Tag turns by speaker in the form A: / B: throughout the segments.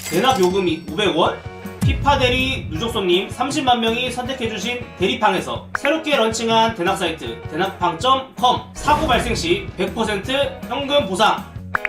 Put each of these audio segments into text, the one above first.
A: 대납 요금이 500원? 피파 대리 누적손님 30만 명이 선택해주신 대리팡에서 새롭게 런칭한 대납 사이트 대납팡.com 사고 발생 시 100% 현금 보상.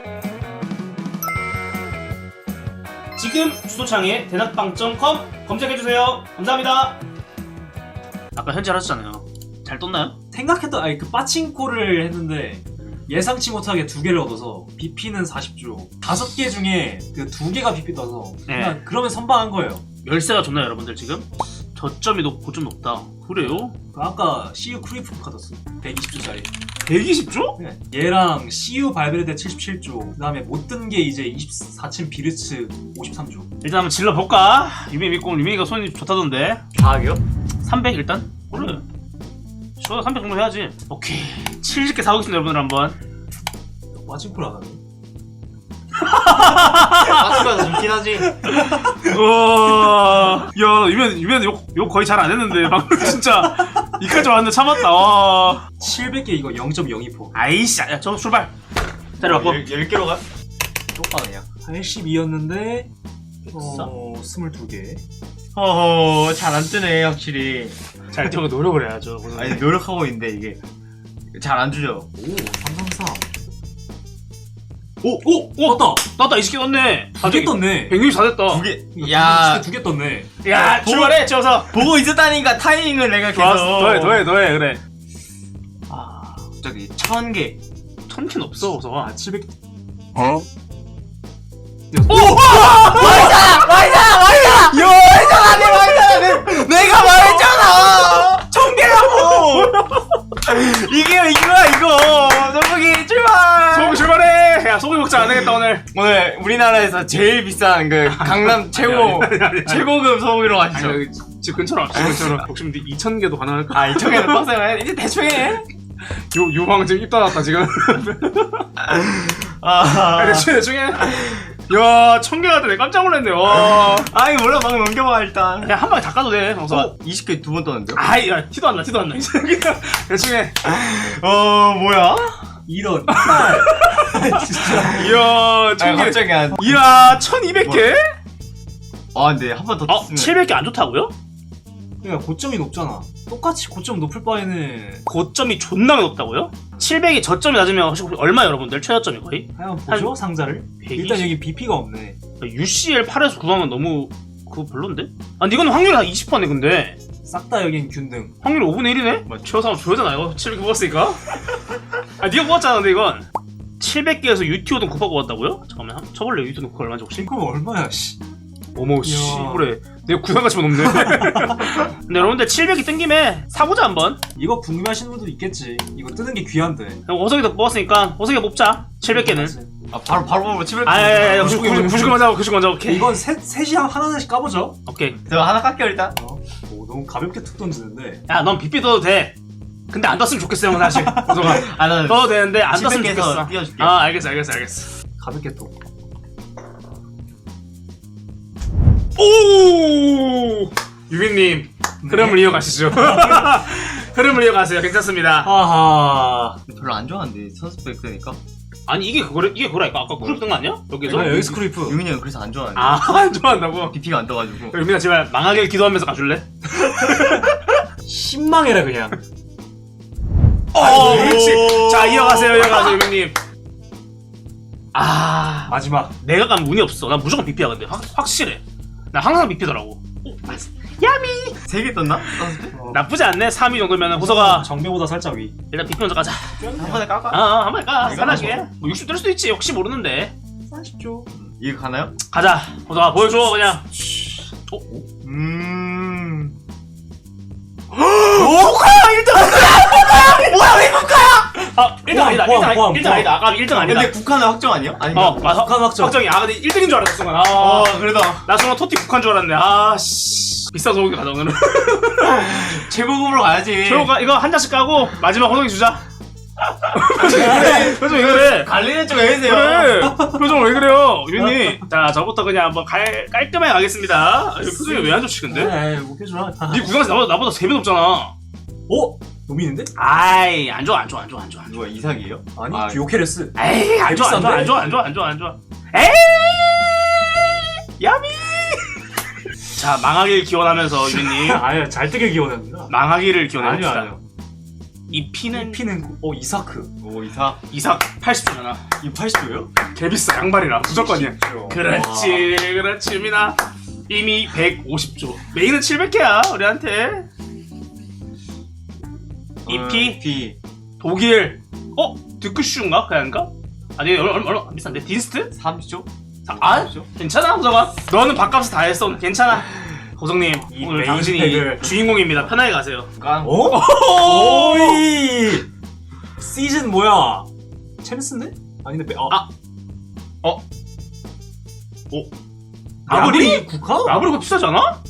A: 지금 주소창에 대납팡.com 검색해주세요. 감사합니다. 아까 현질 하셨잖아요. 잘 떴나요?
B: 생각했던 아니 그 빠칭코를 했는데 예상치 못하게 2개를 얻어서 BP는 40조 5개 중에 그 2개가 BP 떠서 그냥 그러면 선방한 거예요.
A: 열쇠가 좋나요 여러분들 지금? 저점이 고점 높다. 그래요?
B: 아까 CU 크리프 카드 썼어 120조짜리
A: 120조?
B: 네. 얘랑 CU 발베르데 77조 그 다음에 못 뜬 게 이제 24층 비르츠 53조.
A: 일단 한번 질러볼까? 유미 믿고 유미가 손이 좋다던데.
C: 과학이요?
A: 300 일단? 그래. 저 300 정도 해야지. 오케이 70개 사오겠습니다 여러분들 한번.
B: 빠칭코를 안 하네.
C: 빠친거가 좋긴 하지.
A: 우와. 야 유미는 욕 거의 잘 안 했는데 방금 진짜 이까지 왔는데 참았다. 와.
B: 700개 이거 0.02%.
A: 아이씨 야 저 출발. 자리바꿔.
C: 10개로 가? 똑바로냐?
B: 82였는데
A: 됐어?
B: 22개.
C: 허허, 잘 안 뜨네, 확실히.
A: 잘 저거 노력을 해야죠.
C: 아니, 노력하고 있는데, 이게. 잘 안 주죠?
B: 오 333.
A: 오! 떴다 20개 떴네.
B: 2개 떴네.
A: 164 됐다.
C: 두 개. 야,
B: 2개 떴네.
A: 야 출발해 지어서.
C: 보고 있었다니까, 타이밍을 내가 계속.
A: 좋았어. 더해 그래.
C: 아, 갑자기 1000개.
A: 1000캔 없어 우선.
B: 아 700.
C: 어?
A: 오!
C: 내가 말했잖아! 1000개라고! 이거야, 이거! 소고기 출발!
A: 소고기 출발해! 야 소고기 먹자 안 되겠다 오늘.
C: 오늘 우리나라에서 제일 비싼 그 강남 최고급 소고기로 가시죠.
A: 아니, 집 근처로 앞집 근처로. 혹시 2000개도 가능할까?
C: 아, 2,000개는 빡세네. 이제 대충 해.
A: 요방 지금 입 닫았다 지금.
C: 아,
A: 대충 해. 야 1000개가 되네. 깜짝 놀랐네. 와.
C: 아이, 몰라. 막 넘겨봐, 일단.
A: 그냥 한 방에 다 까도 돼 정서.
C: 20개 2번 떴는데요?
A: 아이 야 티도 안 나. 대충 해.
C: 뭐야?
B: 이런.
A: 이야
C: 아,
A: 1000개.
C: 갑자기 한.
A: 이야 1200개?
C: 아, 근데 한 번 더 떴으면.
A: 700개 안 좋다고요?
B: 그러니까 고점이 높잖아. 똑같이 고점 높을 바에는
A: 고점이 존나 높다고요? 700이 저점이 낮으면 혹시 얼마 여러분들? 최저점이 거의?
B: 한번 보죠 상자를.
A: 120?
B: 일단 여기 BP가 없네.
A: UCL 8에서 9하면 너무 그거 별론데? 아 근데 이거는 확률이 한 20%네 근데
B: 싹 다 여긴 균등.
A: 확률이 5분의 1이네? 뭐 최소한 줘야잖아 이거 700개 뽑았으니까. 아 니가 뽑았잖아 근데 이건 700개에서 UTO든 곱하고 뽑았다고요? 잠깐만 쳐볼래요 UTO든 곱하고 얼마인지 혹시?
B: 그럼 얼마야 씨.
A: 어머 씨 그래 내가 구상가치만 없네. 근데 여러분들 700이 뜬 김에 사보자 한번.
B: 이거 궁금해하시는 분도 있겠지. 이거 뜨는 게 귀한데.
A: 호석이도 뽑았으니까 호석이 뽑자 700개는.
C: 아, 바로 보면 700개.
A: 아야야야 99 먼저 하고 99 먼저. 오케이
B: 이건 셋이 하나씩 까보죠.
A: 오케이.
C: 제가 하나 깎여, 일단.
B: 오, 너무 가볍게 툭 던지는데.
A: 야 넌 빗비 떠도 돼. 근데 안 떴으면 좋겠어 형 사실. 호석아
C: 아, 나
A: 떠도 되는데 안 떴으면
C: 700 개에서
A: 좋겠어.
C: 띄워줄게.
A: 아 알겠어.
B: 가볍게 또.
A: 오 유빈님 흐름을 이어가시죠. 흐름을 이어가세요. 괜찮습니다.
B: 하하.
C: 별로 안 좋아하는데, 선수백 되니까.
A: 아니 이게 그거라니까 아까 쿠르 뜬거 아니야? 여기서?
B: 여기 스크리프.
C: 유민이 형 그래서 안 좋아하는데.
A: 안 좋아한다고?
C: BP가 안 떠가지고.
A: 유빈아 제발 망하길 기도하면서 가줄래?
B: 신망해라 그냥.
A: 그렇지. 자 이어가세요 유빈님.
B: 마지막.
A: 내가 가면 운이 없어. 난 무조건 BP야 근데 확실해. 나 항상 BP더라고. 야미
C: 3개 떴나? 선수백?
A: 나쁘지 않네. 3위 정도면 호서가
B: 정배보다 살짝 위.
A: 일단 BP 먼저 가자.
C: 한 번에 깎아?
A: 한 번에 까.
C: 이거
A: 편하게.
C: 가서.
A: 뭐 60 뜰 수도 있지. 혹시 모르는데.
B: 40조.
C: 이거 가나요?
A: 가자. 호서가 보여줘 그냥. 아 1등 아니다. 1등 아니다. 아까 1등 아니다.
C: 근데 국한은 확정 아니야? 아닌가?
A: 맞아.
B: 북한 확정.
A: 확정이. 아 근데 1등인 줄 알았어 순간.
C: 그래도
A: 나 순간 토티 국한 줄 알았네. 씨. 비싼 소고기 가자 오늘은.
C: 최고급으로 가야지.
A: 저거 이거 한 잔씩 까고 마지막 호동이 주자. 표정 왜 그래?
C: 관리는 좀 해주세요.
A: 그래. 표정 왜 그래요, 유빈님? 자, 저부터 그냥 한번 깔끔하게 가겠습니다. 아, 표정이 왜 안 좋지 근데?
B: 에이 못해주라.
A: 네 구상에서 나보다 3배 높잖아.
B: 오? 노민인데?
A: 아이, 안 좋아.
C: 누가 이삭이에요?
B: 아니 듀오케레스.
A: 에이, 안 좋아. 에이, 야미. 자, 망하길 기원하면서 유빈님
B: 아니요, 잘 뜨길 기원합니다.
A: 망하기를
B: 아니요,
A: 기원해봅시다.
B: 아니요.
A: 이 피는
B: 피는 이사크.
C: 오 이사.
A: 이삭 80조잖아.
B: 이 80조예요?
A: 개비싸 양말이라 무조건이야.
B: 와.
A: 그렇지 그렇지 유빈아. 이미 150조. 메인은 700개야 우리한테. EP
C: 비.
A: 독일. 드크슈인가? 그냥가? 아니 얼마 안 비싼데? 딘스트?
C: 30조?
A: 괜찮아 호정아. 너는 밥값을 다 했어. 괜찮아. 호정님
B: 이
A: 오늘
B: 메인
A: 당신이
B: 팩을.
A: 주인공입니다. 편하게 가세요.
C: 깡.
B: 오이! 시즌 뭐야? 챔스인데? 아닌데
A: 아무리
B: 국화?
A: 아무리 비싸지 않아?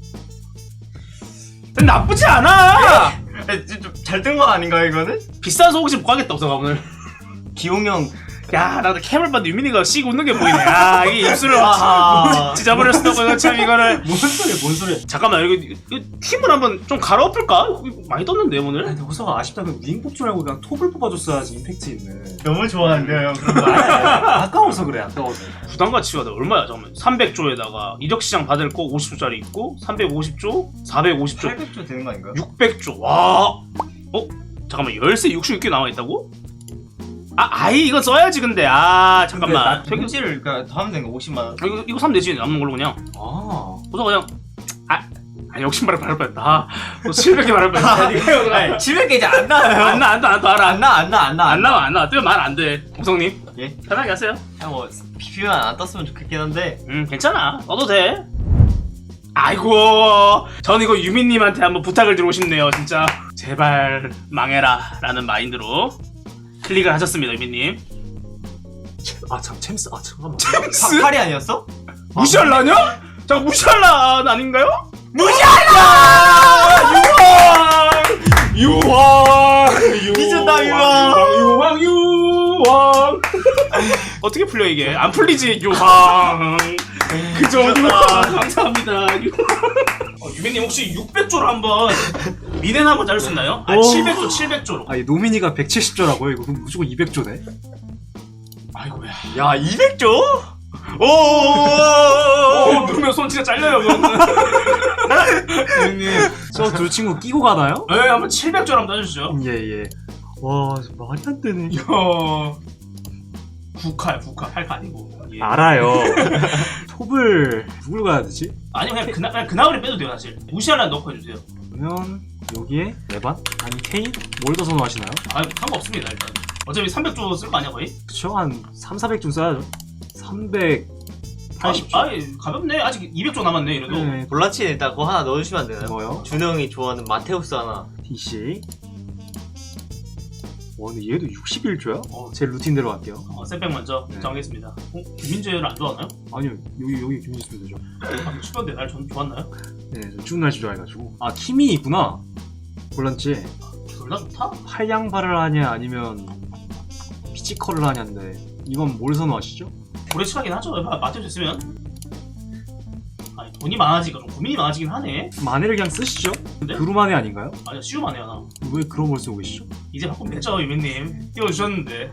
A: 나쁘지 않아.
C: 잘 뜬 거 아닌가요 이거는?
A: 비싸서 혹시 못 가겠다 호정아 오늘.
C: 기용형.
A: 야, 나도 캠을 봤는데 유민이가 씩 웃는 게 보이네. 아, 이게 입술을
C: 아하.
A: 찢어버렸어. 이거 참 이거를.
B: 뭔 소리야?
A: 잠깐만, 이거 팀을 한번 좀 갈아엎을까? 이거 많이 떴는데 오늘.
B: 근데 호서가 아쉽다. 그 윙 뽑지 말고 그냥 톱을 뽑아줬어야지 임팩트 있는.
C: 너무 좋아하는데요 형.
B: 아까워서 그래. 아까워서.
A: 부담 가치가 얼마야? 잠깐만. 300조에다가 이적 시장 받을 거 50조짜리 있고 350조, 450조,
C: 800조 되는 거 아닌가요?
A: 600조. 와. 잠깐만. 열쇠 66개 나와 있다고? 아이 이거 써야지 근데. 아, 잠깐만.
C: 택지를 그러니까 더 하면 되는 거 50만 원.
A: 이거 사면 되지. 남는 걸로 그냥. 그래서 그냥 욕심발을 바를 뻔했다. 너 700개 바를 뻔했다.
C: 700개 이제 안 나와요.
A: 안 알아.
C: 안 나와.
A: 안 나와. 뜨면 말 안 돼. 공성님.
C: 예?
A: 편하게 하세요.
C: 뭐 PP만 안 떴으면 좋겠긴 한데.
A: 괜찮아. 넣어도 돼. 아이고. 전 이거 유민님한테 한번 부탁을 드리고 싶네요. 진짜. 제발 망해라. 라는 마인드로 클릭을 하셨습니다, 유민님.
B: 챔스. 잠깐만.
A: 챔스?
C: 팔이 아니었어?
A: 무시할라냐? 잠깐 무시할라 아닌가요? 유황!
C: 미쳤다,
A: 유황! 어떻게 풀려 이게? 안 풀리지 유황. 그저 유황. 감사합니다. 유민님 혹시 600조로 한번 미넨 한번 자를 수 있나요? 700조로.
B: 아니 노미니가 170조라고요? 이거 그럼 무조건 200조네?
A: 아이고야.
C: 야 200조?
A: 누르면 손 진짜 잘려요.
C: 형님.
B: 저 두 친구 끼고 가나요?
A: 네, 한번 700조로 한번 따주시죠.
B: 예. 와 말이 안 되네.
A: 이야. 국화야, 8카 아니고. 예.
B: 알아요. 톱을 누굴 가야 되지?
A: 아니면 그냥 그나울에 빼도 돼요, 사실. 무시하려면 넣고 해주세요.
B: 그러면 여기에 레반? 아니 케인? 뭘 더 선호하시나요?
A: 상관없습니다, 일단. 어차피 300조 쓸 거 아니야, 거의?
B: 그쵸? 한 3,400좀 써야죠. 380조.
A: 가볍네. 아직 200조 남았네, 이래도.
B: 네.
C: 볼란치에 일단 그거 하나 넣어주시면 안 되나요?
B: 뭐요?
C: 준호 형이 좋아하는 마테우스 하나.
B: DC. 와 근데 얘도 61조야? 제 루틴대로 갈게요.
A: 쌤백 먼저
B: 네.
A: 정하겠습니다. 김민재를 안 좋아하나요?
B: 아니요 여기 김민수 되죠.
A: 추던데 날 전 좋았나요?
B: 네, 저 추운 날씨 좋아해가지고. 키미 있구나. 볼란치.
A: 둘 다 좋다?
B: 팔양발을 하냐 아니면 피지컬을 하냐인데 이건 뭘 선호하시죠?
A: 오래 시간이긴 하죠. 맞춰 있으면. 아니 돈이 많아지니까 좀 고민이 많아지긴 하네.
B: 마네를 그냥 쓰시죠?
A: 근데?
B: 그루마네 아닌가요?
A: 아니 쉬우만 해요 나.
B: 왜 그런 걸 쓰고 계시죠?
A: 이제 바꾸면 됐죠 유민님. 띄워주셨는데.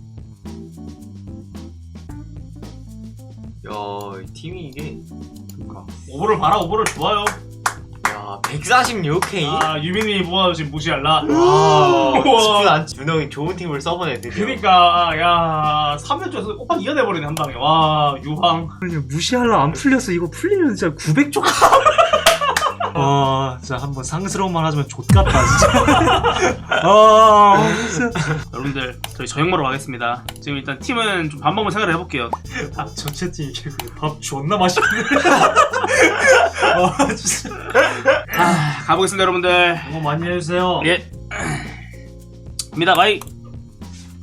C: 야, 이 팀이 이게.
B: 그러니까.
A: 오버를 봐라. 오버를 좋아요.
C: 야, 146K?
A: 유민님이 뭐하고 지금 무시할라.
C: 스푼 안 준호 형이 좋은 팀을 써보네, 드디어.
A: 그니까 야 300조에서 곱하기 2가 돼버리네 한 방에. 와 유황.
B: 무시하려 안 풀렸어. 이거 풀리면 진짜 900조. 진짜 한번 상스러운 말 하자면 좆같다 진짜. 진짜.
A: 여러분들 저희 저녁 먹으러 가겠습니다. 지금 일단 팀은 좀 밥 먹으면 생각을 해볼게요.
B: 전체 팀 이게 밥 존나 맛있네. 진짜.
A: 가보겠습니다 여러분들.
B: 너무 많이 해주세요.
A: 예. 입니다 바이.